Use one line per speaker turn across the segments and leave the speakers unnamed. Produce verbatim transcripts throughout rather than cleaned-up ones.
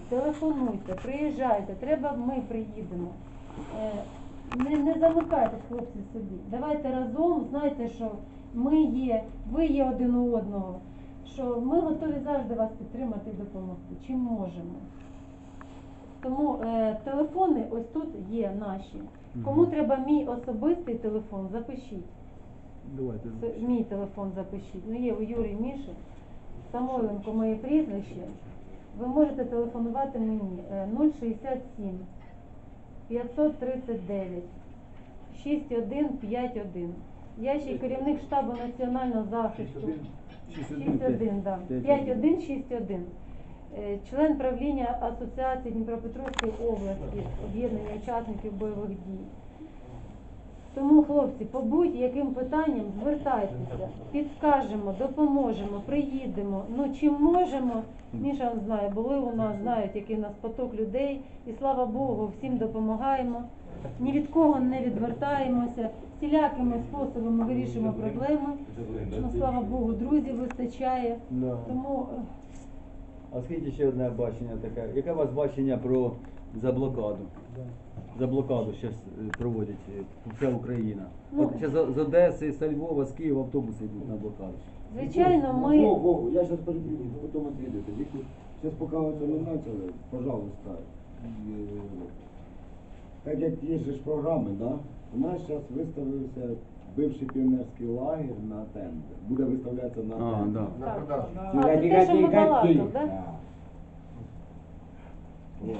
телефонуйте, приїжджайте, треба ми приїдемо. Е, Не, не замикайтесь, хлопці, собі. Давайте разом, знайте, що ми є, ви є один у одного, що ми готові завжди вас підтримати і допомогти, чим можемо. Тому е, телефони ось тут є наші. Кому треба мій особистий телефон, запишіть.
Давайте.
Це мій телефон запишіть. Ну є у Юрії Міші, Самойленко моє прізвище. Ви можете телефонувати мені нуль шістдесят сім п'ятсот тридцять дев'ять шістдесят один п'ятдесят один. Я ще й керівник штабу національного захисту. шістдесят один, да. п'ятдесят один шістдесят один. Член правління Асоціації Дніпропетровської області, об'єднання учасників бойових дій. Тому, хлопці, по будь-яким питанням звертайтеся, підскажемо, допоможемо, приїдемо. Ну, чим можемо, Міша знає, були у нас, знають, який у нас поток людей. І слава Богу, всім допомагаємо. Ні від кого не відвертаємося. Всілякими способами вирішуємо проблеми. Ну, слава Богу, друзів вистачає. Тому...
А скажіть ще одне бачення таке. Яке у вас бачення про заблокаду? Заблокаду зараз проводять вся Україна.
Ну,
От ще з Одеси, з Львова, з Києва автобуси йдуть на блокаду.
Звичайно, ми...
Вов, Вов, я сейчас перебью, потом ответите. Сейчас пока вы это не начали, пожалуйста. э, Так як є же ж програми, да? У нас зараз виставився бивший піонерський лагерь на тендер. Буде виставлятися на
А,
тендер.
да.
На продажу.
А, це те, що ми балакали, да?
Вот.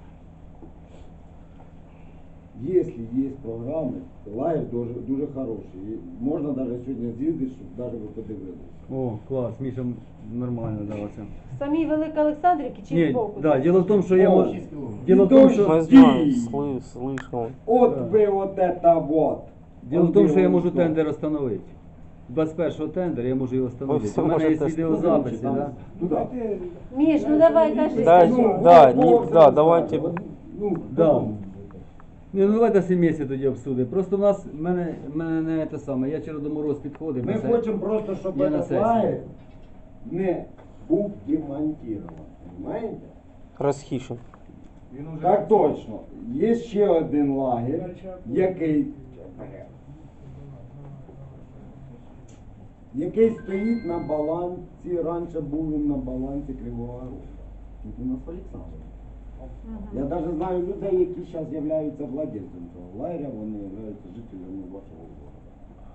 Если есть программы, лагерь дуже, дуже хороший. І можна навіть сьогодні з'їздити, щоб навіть ви подивилися.
О, клас, Міша нормально давався.
В самій Великоолександрівці чи
Ні,
збоку?
да, діло в тому, що я
О,
можу...
шість кілометрів.
Діло в тому,
Мы
що...
знаем, слы- слышал.
От
Да.
ви от это вот.
Діло в
От
тому,
ви
що я
от
можу
то.
тендер встановити. двадцять першого тендер я можу його встановити.
все
У мене є
можете
відеозаписи,
Там-
да?
Ну, давайте-
Міш, ну давай кажи.
Да,
Ну,
да,
вот,
не-
вот,
да,
вот,
давайте.
вот, ну,
Да.
потом.
Ні, ну давайте сім'єсі тоді обсудимо. Просто в нас, в мене, в мене не те саме, я через Мороз підходив.
Ми
на це-
хочемо просто, щоб
Я на
этот
сесії.
лагерь не був демонтирован. Понимаете?
Расхищен.
Він уже
Так точно. Є ще один лагерь, який, який стоїть на балансі, раніше був він на балансі Кривого Рогу. Тут у нас Олександр. Я навіть знаю людей, які зараз являються владельцем цього лагеря, вони являються жителями вашого города.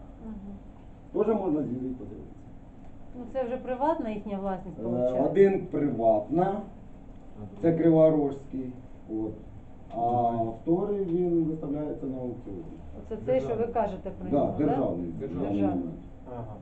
Теж можна з'їздити подивитися.
Ну це вже приватна їхня власність,
Е,
виходить.
Один приватна, це Криворожський, от. А вторий він виставляється на аукціоні.
Оце те, що ви кажете про
Да,
нього,
державний.
да?
державний.
Державний.
Ага.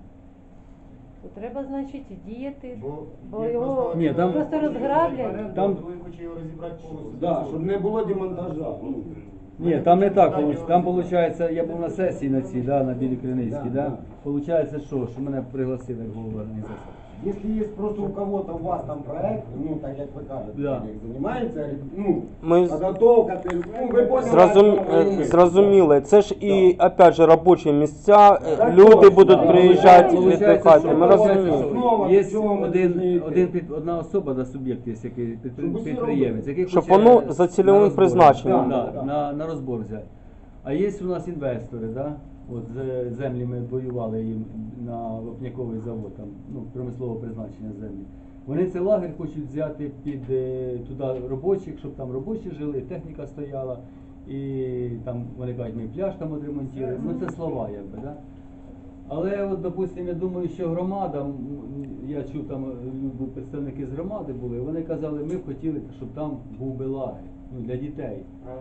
То треба, значить, діяти,
Бо,
бо
є
його
просто-
Ні, там-
просто розграблять.
Там-
Ви хочете його розібрати повністю.
Да, щоб не було демонтажа. Ну,
Ні, там не так виходить. Там виходить, я був на сесії на цій, да, на Білій Криницькій,
Да,
да.
да.
Получається, що, що мене пригласили як голову організації.
Якщо є просто у кого-то у вас там проект, ну так як ви кажете,
Да.
як займається, ну,
Ми з-
підготовка, ти- ну ви поняли,
Зразум...
о чому ми.
е, Зрозуміло, це ж і опять же робочі місця, е,
Так
люди
точно.
будуть
Да.
приїжджати
Получається,
віддихати.
що-
Ми
получається,
розуміємо.
що
Основа,
Є
до чого ми
один,
повинні
один
йти.
під, одна особа, да, суб'єкт є, який підпри-
Щоб усі
підприємець, який
Щоб
хоче
воно за цільовим
на розбор,
призначенням.
да,
Да, да.
на, на розбор взяти. А є у нас інвестори, да? От з- землі ми воювали їм на вапняковий завод, там, ну, промислового призначення землі. Вони цей лагерь хочуть взяти під е, туди робочих, щоб там робочі жили, техніка стояла, і там вони кажуть, ми пляж там відремонтуємо. Ну це слова, якби, да? Але от, допустим, я думаю, що громада, м, я чув там люди, представники з громади були, вони казали, ми б хотіли, щоб там був би лагерь, ну, для дітей.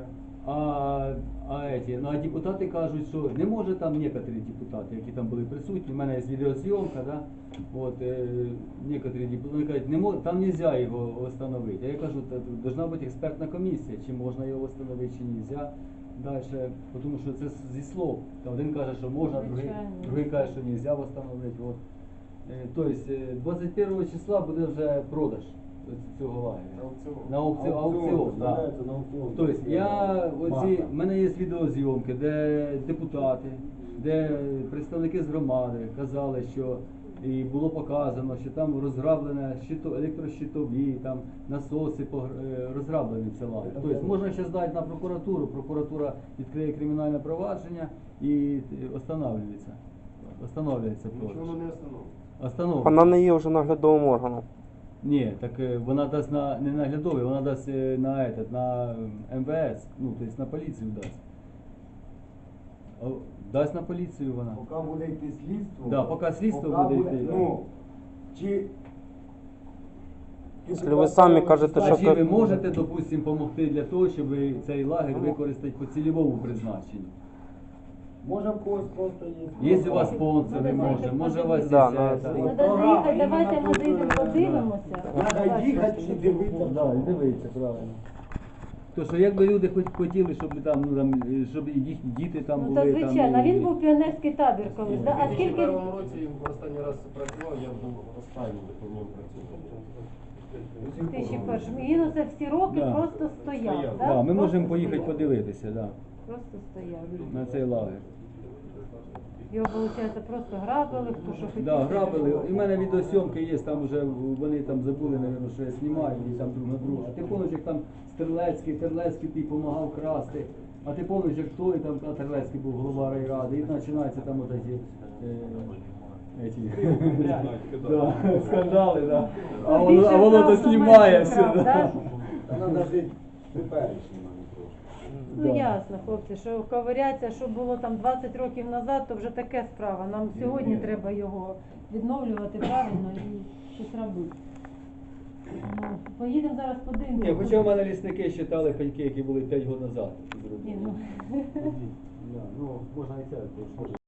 А, а, еті, ну, а депутати кажуть, що не може там некоторі депутати, які там були присутні, в мене є відеозйомка, да? От, е, некоторі депутати кажуть, не мож, там не можна його встановити. А я кажу, повинна бути експертна комісія, чи можна його встановити, чи не можна. Далі, тому що це зі слов. Там один каже, що можна, другий,
Звичайно.
другий каже, що не можна встановити. От. Е, Тобто е, двадцять першого числа буде вже продаж цього лагеря.
Аукціон.
На аукціон, аукціон, да.
виставляється на аукціон.
Тобто я оці,
Маха.
в мене є відеозйомки, де депутати, де представники з громади казали, що і було показано, що там розграблене щито, електрощитові, там насоси погр- е, розграблені це лагер. Тобто можна ще здати на прокуратуру, прокуратура відкриє кримінальне провадження і останавливається. Останавливається
Нічого
продаж.
воно не остановить.
Остановлюється.
Вона не є вже наглядовим органом.
Ні, так е, вона дасть на не наглядовий, вона дасть е, на этот, на ем ве ес, ну тобто на поліцію дасть. О, Дасть на поліцію вона.
Поки буде йти слідство.
Да, поки слідство
поки
буде йти, да.
Ну, чи...
Якщо ви самі кажете,
А
що
чи
ка-
ви можете, допустимо, допомогти для того, щоб ви цей лагерь використати по цільовому призначенню?
Може в когось просто є.
Є у вас спонсори,
Надо
може,
заїхати
може у вас
Да,
є
надо
це,
заїхати.
там.
Надо заїхати, давайте ми заїдемо подивимося.
Треба їхати і дивитися.
Да, і дивіться, правильно. То що якби люди хоч хотіли, щоб там, ну там, е, щоб і їхні діти там
Ну
були.
то звичайно,
там, і-
він був піонерський табір колись. Да?
У
А скільки
дві тисячі першому році він останній раз працював, я був останній, по ньому працював.
в тисячі першому? І він оце всі роки
Да.
просто стояв.
Стояв.
Да?
Да, ми
Просто
можемо поїхати
стояв.
подивитися, да,
Просто стояв.
на цей лагер.
Його, виходить, просто грабили, хто що хотів.
Да, грабили. І в мене відеосйомки є, там вже вони там забули, наверное, що я знімаю, і там друг на друга. А ти помниш, як там Стрелецький, Терлецький ти допомагав красти. А ти помниш, як той там а Терлецький був голова райради, і починаються там от ці е, ці, да, скандали, да. А воно, а воно то знімає все.
Крав, да?
Да.
Та треба жити теперішнім, а не прошлим.
Ну
Да.
ясно, хлопці, що ковиряться, що було там двадцять років назад, то вже таке справа. Нам сьогодні треба його відновлювати правильно і щось робити. Ну, поїдемо зараз подивимося.
Ні, хоча в мене лісники считали пеньки, які були п'ять років назад.
Ні, ну.
Да, ну, можна і це.